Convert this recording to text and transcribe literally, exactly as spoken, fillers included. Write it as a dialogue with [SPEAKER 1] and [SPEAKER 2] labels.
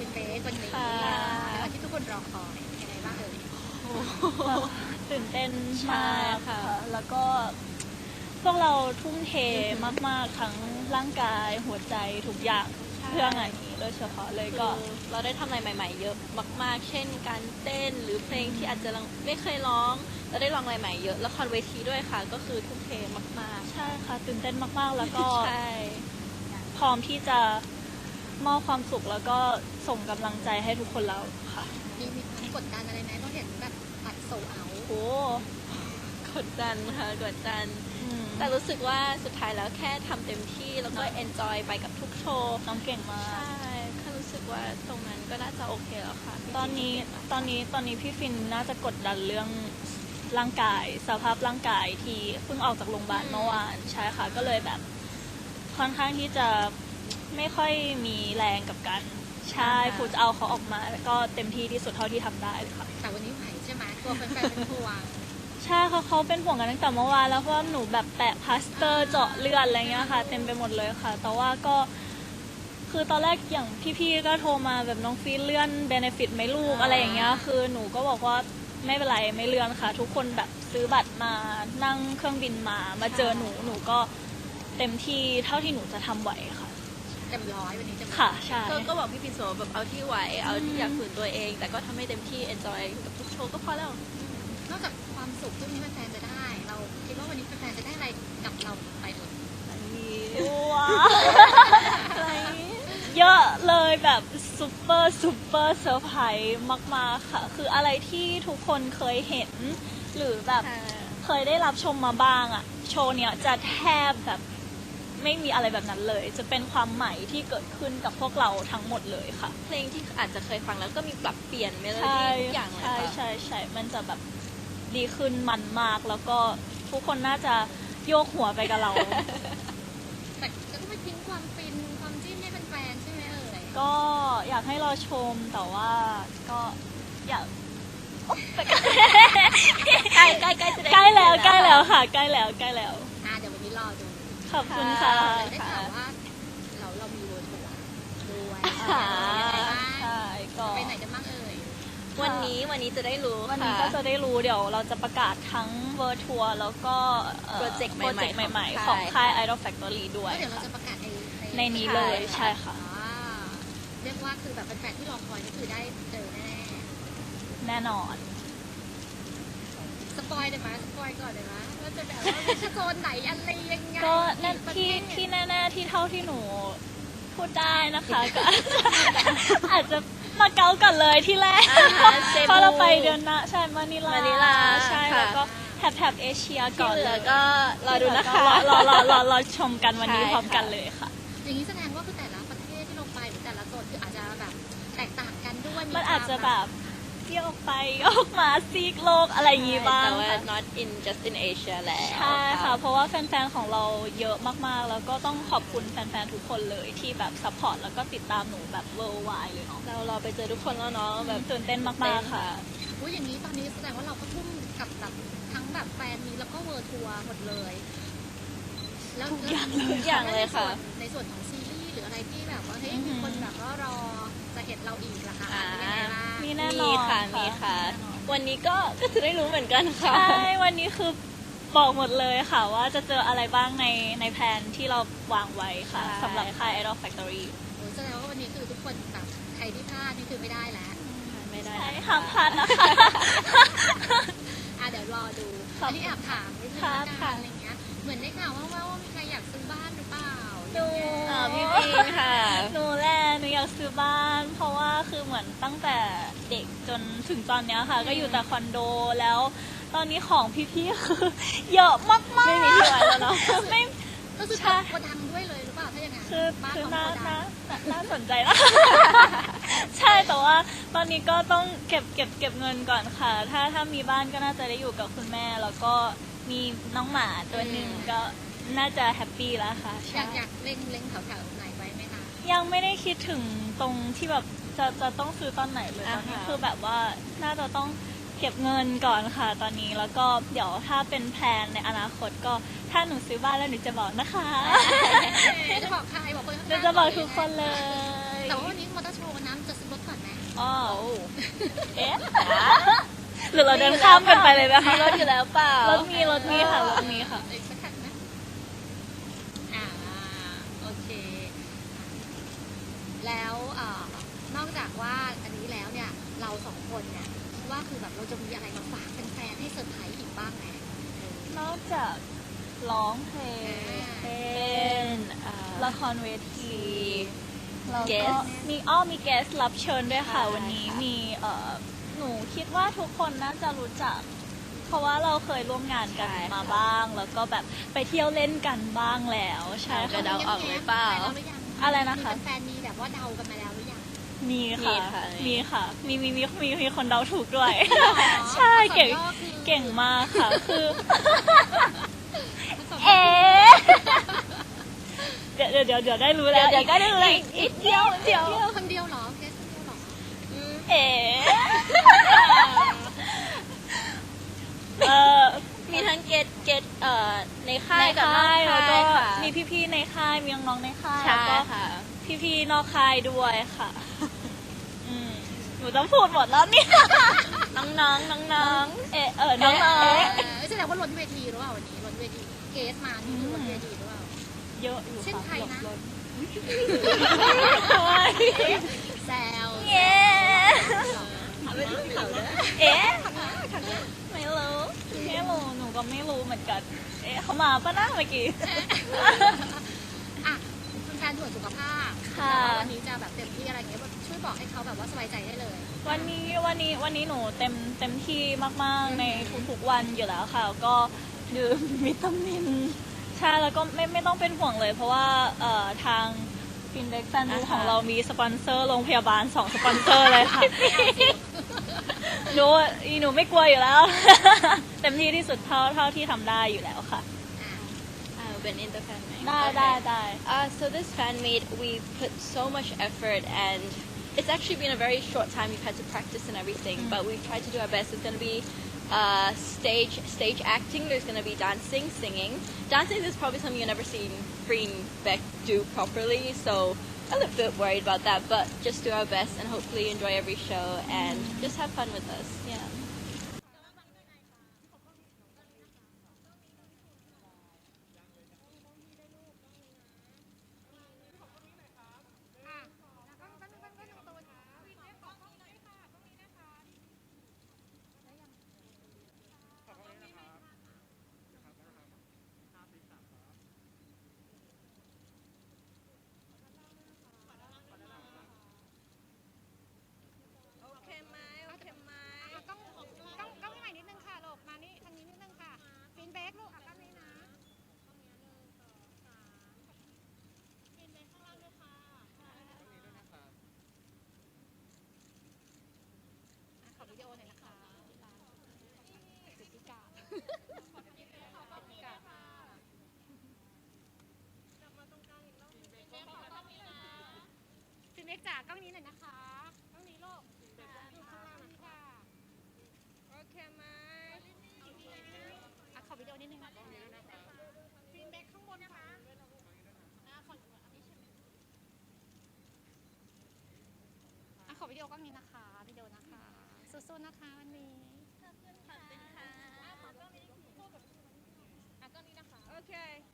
[SPEAKER 1] เฟสวันนี้ในวันที่ทุกคนรอคอยยังไงบ้างเอ่ย
[SPEAKER 2] ตื่นเต้นมากค่ะแล้วก็พวกเราทุ่มเทมากๆทั้งร่างกายหัวใจทุกอย่างเพื่องานนี้โดยเฉพาะเลยก็
[SPEAKER 3] เราได้ทำอะไรใหม่ๆเยอะมากๆเช่นการเต้นหรือเพลงที่อาจจะไม่เคยร้องเราได้ลองอะไรใหม่เยอะละครเวทีด้วยค่ะก็คือทุ่มเทมาก
[SPEAKER 2] ๆใช่ค่ะตื่นเต้นมากๆแล้วก็พร้อมที่จะมอบความสุขแล้วก็ส่งกำลังใจให้ทุกคนแล้วค่ะ
[SPEAKER 1] มีมีความกดดันอะไรไหมเพราะเห็นแบบปัดโซเอา
[SPEAKER 2] โอ้
[SPEAKER 3] กดดันค่ะกดดันแต่รู้สึกว่าสุดท้ายแล้วแค่ทำเต็มที่แล้วก็เอนจอยไปกับทุกโชว์
[SPEAKER 2] น้องเก่งมาก
[SPEAKER 3] ใช่แค่รู้สึกว่าตรงนั้นก็น่าจะโอเคแล้วค่ะ
[SPEAKER 2] ตอนนี้ตอนนี้ตอนนี้พี่ฟินน่าจะกดดันเรื่องร่างกายสภาพร่างกายที่เพิ่งออกจากโรงพยาบาลเมื่อวานใช่ค่ะก็เลยแบบค่อนข้างที่จะไม่ค่อยมีแรงกับกันใช่ฟูจะเอาเขาออกมาแล้วก็เต็มที่ที่สุดเท่าที่ทำได้เลยค่ะ
[SPEAKER 1] แต่วันนี้ไหวใช่ไหมตัวแฟนๆเป็นห่วง
[SPEAKER 2] ใช่เขาเขาเป็นห่วงกันตั้งแต่เมื่อวานแล้วเพราะว่าหนูแบบแปะพลาสเตอร์เจาะเลือดอะไรเงี้ยค่ะเต็มไปหมดเลยค่ะแต่ว่าก็คือตอนแรกอย่างพี่ๆก็โทรมาแบบน้องฟีเลื่อนเบเนฟิตไหมลูกอะไรอย่างเงี้ยคือหนูก็บอกว่าไม่เป็นไรไม่เลื่อนค่ะทุกคนแบบซื้อบัตรมานั่งเครื่องบินมามาเจอหนูหนูก็เต็มที่เท่าที่หนูจะทำไหวค่ะ
[SPEAKER 1] เต็มร้อยวันนี้เต็ม
[SPEAKER 2] ค่ะใช่
[SPEAKER 3] ก็บอกพี่ปิ่นโสแบบเอาที่ไหวเอาที่อยากฝืนตัวเองแต่ก็ทำให้เต็มที่เอนจอยกับทุกโชว์ก็พอแล้ว
[SPEAKER 1] นอกจากความสุขที่แฟนๆจะได้เราคิดว่าวันนี้แฟนๆจะได้อะไรกับเราไปเอ่ย
[SPEAKER 2] ว้าวเยอะเลยแบบซุปเปอร์ซุปเปอร์เซอร์ไพรส์มากๆค่ะคืออะไรที่ทุกคนเคยเห็นหรือแบบเคยได้รับชมมาบ้างอะโชว์เนี้ยจะแทบแบบไม่มีอะไรแบบนั้นเลยจะเป็นความใหม่ที่เกิดขึ้นกับพวกเราทั้งหมดเลยค่ะ
[SPEAKER 3] เพลงที่อาจจะเคยฟังแล้วก็มีปรับเปลี่ยนเมโลดี้ทุกอย่างเลย
[SPEAKER 2] ค่ะใช่ใช่ใช่มันจะแบบดีขึ้นมันมากแล้วก็ทุกคนน่าจะโยกหัวไปกับเรา
[SPEAKER 1] แต่ก็ไม่ทิ้งความฟินความจิ้นให้แฟนๆใช่ไหมเอ่ย
[SPEAKER 2] ก็อยากให้รอชมแต่ว่าก็อยาก
[SPEAKER 3] ใกล้ใกล้ใกล้จะได้
[SPEAKER 2] ใกล้แล้วใกล้แล้วค่ะใกล้แล้วใกล้แล้ว
[SPEAKER 1] อ่าเดี๋ยววันนี้รอดู
[SPEAKER 2] ขอบคุณค่ะ
[SPEAKER 1] ได้ข่าวว่าเราเรามีเวอร์ทัวร์ด้วย
[SPEAKER 2] ใช่ก็
[SPEAKER 1] ไปไหนกันบ้างเอ่ย
[SPEAKER 3] วันนี้วันนี้จะได้รู้
[SPEAKER 2] วันนี้ก็จะได้รู้เดี๋ยวเราจะประกาศทั้งเวอร์ทัวร์แล้วก็
[SPEAKER 3] โปรเจกต์ใ
[SPEAKER 2] หม่ๆของค่าย Idol Factory ด้วย
[SPEAKER 1] เดี๋ยวเราจะประกาศใน
[SPEAKER 2] ในนี้เลยใช่ค่ะ
[SPEAKER 1] เรียกว่าคือแบบแฟนๆที่รอคอยนี่คือได้เจอแน่
[SPEAKER 2] แน่นอน
[SPEAKER 1] สปอยได้ไหมสปอยก่อนได้ไหมว่าจะแบบว่าเป็นโซนไหนอะไรยังไง
[SPEAKER 2] ก็ที่ที่แน่ๆที่เท่าที่หนูพูดได้นะคะก็อาจจะมาเก๊ากันเลยที่แรกเพราะเราไปเดือนหน้าใช่มานิลา
[SPEAKER 3] มานิลา
[SPEAKER 2] ใช่แล้วก็แถบแถบเอเชียก่อน
[SPEAKER 3] เลยก็รอดูนะคะ
[SPEAKER 2] รอรอรอรอชมกันวันนี้พร้อมกันเลยค่ะ
[SPEAKER 1] อย่างนี้แสดงว่าคือแต่ละประเทศที่ลงไปหรือแต่ละโซนคืออาจจะแบบแตกต่างกันด้วย
[SPEAKER 2] มันอาจจะแบบเที่ยวไปออกมาซีกโลกอะไรอย่างงี้บ้าง
[SPEAKER 3] แต่ว่า not in just in Asia แล้ว
[SPEAKER 2] ใช่ค่ะเพราะว่าแฟนๆของเราเยอะมากๆแล้วก็ต้องขอบคุณแฟนๆทุกคนเลยที่แบบซัพพอร์ตแล้วก็ติดตามหนูแบบ worldwide เลยเนาะ
[SPEAKER 3] เรารอไปเจอทุกคนแล้วเนาะแบบ
[SPEAKER 2] ตื่นเต้นมากๆค่ะ
[SPEAKER 1] อุ้ยอย่างนี้ตอนนี้แสดงว่าเราก็ทุ่มกับแบบทั้งแบบแฟนมีแล้วก็เวิร์ทัวร์หมดเลย
[SPEAKER 2] แล้วทุกอย่างเลย
[SPEAKER 3] ทุกอย่างเลยค่ะ
[SPEAKER 1] ในส่วนของซีรีส์หรืออะไรที่แบบว่าเฮ้ยมีคนแบบว่ารอจะเห็นเราอีกล่ะคะ
[SPEAKER 2] มีแน่นอน
[SPEAKER 3] ค่ะมีค่ะวันนี้ก็ก็จะได้รู้เหมือนกันค่ะ
[SPEAKER 2] ใช่วันนี้คือบอกหมดเลยค่ะว่าจะเจออะไรบ้างในในแผนที่เราวางไว้ค่ะสำหรับค่าย Idol Factory
[SPEAKER 1] โอ้แสดงว่าวันนี้คือทุกคนแบบใครที่พลาดนี่คือไม่ได้แล้ว
[SPEAKER 3] ไม่ได้
[SPEAKER 2] ห้ามพลาดนะคะ
[SPEAKER 1] อ่ะเดี๋ยวรอดูอันนี้แอบถามนิดนึงละกันอะไรเงี้ยเหมือนได้ข่าวว่าว่ามีใครอยากซื้อบ้านหรือเปล่า
[SPEAKER 2] ดู
[SPEAKER 3] พี่ปิงค่ะ
[SPEAKER 2] หนูแหละหนูอยากซื้อบ้านเพราะว่าคือเหมือนตั้งแต่เด็กจนถึงตอนนี้ค่ะก็อยู่แต่คอนโดแล้วตอนนี้ของพี่ๆคือเยอะมากๆ
[SPEAKER 3] ไม่มีที่ไว้แล้วเนาะ
[SPEAKER 1] ไม่ก็คือโกดังด้วยเลยหรือเปล่าถ้าอย่างนั้น
[SPEAKER 2] คือคือน่าน่าน่าสนใจนะใช่แต่ว่าตอนนี้ก็ต้องเก็บเก็บเก็บเงินก่อนค่ะถ้าถ้ามีบ้านก็น่าจะได้อยู่กับคุณแม่แล้วก็มีน้องหมาตัวหนึ่งก็น่าจะแฮปปี้แล้วค่ะ
[SPEAKER 1] อยากอยากเล็งเล็งแถวแถวไหนไว้ไหมคะ
[SPEAKER 2] ยังไม่ได้คิดถึงตรงที่แบบจะจะต้องซื้อตอนไหนเลยตอนนี้คือแบบว่าน่าจะต้องเก็บเงินก่อนค่ะตอนนี้แล้วก็เดี๋ยวถ้าเป็นแพลนในอนาคตก็ถ้าหนูซื้อบ้านแล้วหนูจะบอกนะคะ
[SPEAKER 1] จะบอกใครบอกคนข้าง
[SPEAKER 2] ๆจะบอกทุกคนเลย
[SPEAKER 1] แต่ว่าวันนี้มอเตอร์โชว์น้ำจะซื้อรถ
[SPEAKER 2] อ๋อ
[SPEAKER 3] โอ้
[SPEAKER 2] เอ๊ะหรือเราเดินข้ามกันไปเลยนะคะ
[SPEAKER 3] มีรถอยู่แล้วเปล่าร
[SPEAKER 2] ถมีรถมีค่ะรถมีค่ะ
[SPEAKER 1] อีกสักคันไหมอ่าโอเค แล้วเอ่อนอกจากว่าอันนี้แล้วเนี่ย เราสองคนเนี่ยคิดว่าคือแบบเราจะมีอะไรมาฝากแฟนๆให้เซอร์ไพรส์อีกบ้างไหม
[SPEAKER 2] นอกจากร้องเพลง
[SPEAKER 1] อ่า
[SPEAKER 2] เต้
[SPEAKER 3] เป็น
[SPEAKER 2] น
[SPEAKER 3] อ่า
[SPEAKER 2] ละครเวทีแล้วก็
[SPEAKER 3] Guest
[SPEAKER 2] มีอ้อมีแกสรับเชิญด้วยค่ะ
[SPEAKER 3] ใช่
[SPEAKER 2] วันนี้
[SPEAKER 3] ค่ะ
[SPEAKER 2] มีเอ่อหนูคิดว่าทุกคนน่าจะรู้จัก เพราะว่าเราเคยร่วมงานกันมาบ้าง แล้วก็แบบไปเที่ยวเล่นกันบ้างแล้วใช่
[SPEAKER 3] จะ
[SPEAKER 2] ค่ะ
[SPEAKER 3] เดาออกหรือเปล่า
[SPEAKER 1] แฟนเราหรือยัง
[SPEAKER 2] อะไรนะคะ
[SPEAKER 1] มีแฟนๆมีแบบว่าเดากันมาแล้วหรือยัง
[SPEAKER 2] มี
[SPEAKER 3] มี
[SPEAKER 2] ค่ะ
[SPEAKER 3] ค่ะ
[SPEAKER 2] มีค่ะ มีมีมีมีมีคนเดาถูกด้วย
[SPEAKER 1] หรอ
[SPEAKER 2] ใช่เก่ง
[SPEAKER 1] อักษรย่อคือ
[SPEAKER 2] เก่งมากค่ะ คือ
[SPEAKER 1] อักษรย่
[SPEAKER 2] เอ๊ะเดี๋ยวเดี๋ยวเดี๋ยวเดี๋ยวได้รู้แล้ว
[SPEAKER 3] เดี๋ยวก็ได้เลย
[SPEAKER 2] อีกอีกเดียวเดียว
[SPEAKER 1] เดียวคำเดียวเหรอแค่คำเดียวเหรอ
[SPEAKER 2] เอ๋เออ
[SPEAKER 3] มีทั้งเกตเกตเอ่อในค่า
[SPEAKER 2] ใน
[SPEAKER 3] ยกับนอก
[SPEAKER 2] ค่ายแล้วก็
[SPEAKER 3] ค่ายค่ะ
[SPEAKER 2] มีพี่ๆในค่ายมีน้องๆในค่าย
[SPEAKER 3] ใช่
[SPEAKER 2] แล้วก็
[SPEAKER 3] ค่ะ
[SPEAKER 2] พี่ๆนอกค่ายด้วยค่ะอืมหนูต้องพูดหมดแล้วเนี่ย
[SPEAKER 3] น้องน้องน้องน้อง
[SPEAKER 2] เอะเออน้อง
[SPEAKER 1] เอ
[SPEAKER 2] ๆ
[SPEAKER 1] อแสดงว่าล้นเวทีหรือเปล่าวันนี้ล้นเวทีเกสมานี่คือล้นเวทีหรือเปล่า
[SPEAKER 2] เยอะอยู่
[SPEAKER 1] เช่น
[SPEAKER 2] ค่ะ
[SPEAKER 1] ใครนะ
[SPEAKER 2] ลด
[SPEAKER 1] แซว
[SPEAKER 2] เย้เอ๊ะไม่รู้ไม่รู้หนูก็ไม่รู้เหมือนกัน เอ๊ะเขามาปะนะเมื่อกี้
[SPEAKER 1] อ่ะคุณแฟนตรวจสุขภาพ
[SPEAKER 2] ค่ะ
[SPEAKER 1] แต่ว่าวันนี้จะแบบเต็มที่อะไรเงี้ยแบบช่วยบอกให้เขาแบบว่าสบายใจได้เลย
[SPEAKER 2] วันนี้วันนี้วันนี้หนูเต็มเต็มที่มากๆในทุกๆวันอยู่แล้วค่ะ ก็ดื่มวิตามินใช่แล้วก็ไม่ไม่ต้องเป็นห่วงเลย เพราะว่าเอ่อทางฟินเด็กซันดูของเรามีสปอนเซอร์โรงพยาบาลสองสปอนเซอร์เลยค่ะ หนูอีหนูไม่กลัวอยู่แล้ว เต็มที่ที่สุดเท่าเท่าที่ทำได้อยู่แล้วค่ะ
[SPEAKER 1] อ่ะ
[SPEAKER 3] I've been in the fan meet
[SPEAKER 2] ได้ได้ได้
[SPEAKER 3] Uh, so this fan meet, we put so much effort, and it's actually been a very short time. We've had to practice and everything, but we've tried to do our best. It's going to be uh, stage stage acting. There's going to be dancing, singing. Dancing is probably something you've never seen Green Beck do properly, so a little bit worried about that. But just do our best and hopefully enjoy every show and just have fun with us.
[SPEAKER 2] yeah
[SPEAKER 3] Okay, Mai. Okay, Mai.
[SPEAKER 1] กล้องกล้องกล้องใหม่นิดนึงค่ะลูกมานี่ทางนี้นิดนึงค่ะฟินเบคลูกอ่ะกล้องนี้นะฟินเบคข้างล่างด้วยค่ะขอวิดีโอหน่อยนะคะสิทธิกาฟินเบคจากกล้องนี้หน่อยนะคะกล้องนี้ลูกอยู่ข้างล่างนะคะ
[SPEAKER 3] Okay, Mai.
[SPEAKER 1] อ่ะขอวิดีโอนิดนึงนะคะฟินเบคข้างบนนะคะอ่ะขออันนี้ใช่ไหมอ่ะขอวิดีโอกล้องนี้นะคะวิดีโอนะคะสู้ๆนะคะวันนี้ขอบคุณค่ะขอบคุณค่ะอ่ะกล้องนี้นะคะ
[SPEAKER 3] Okay.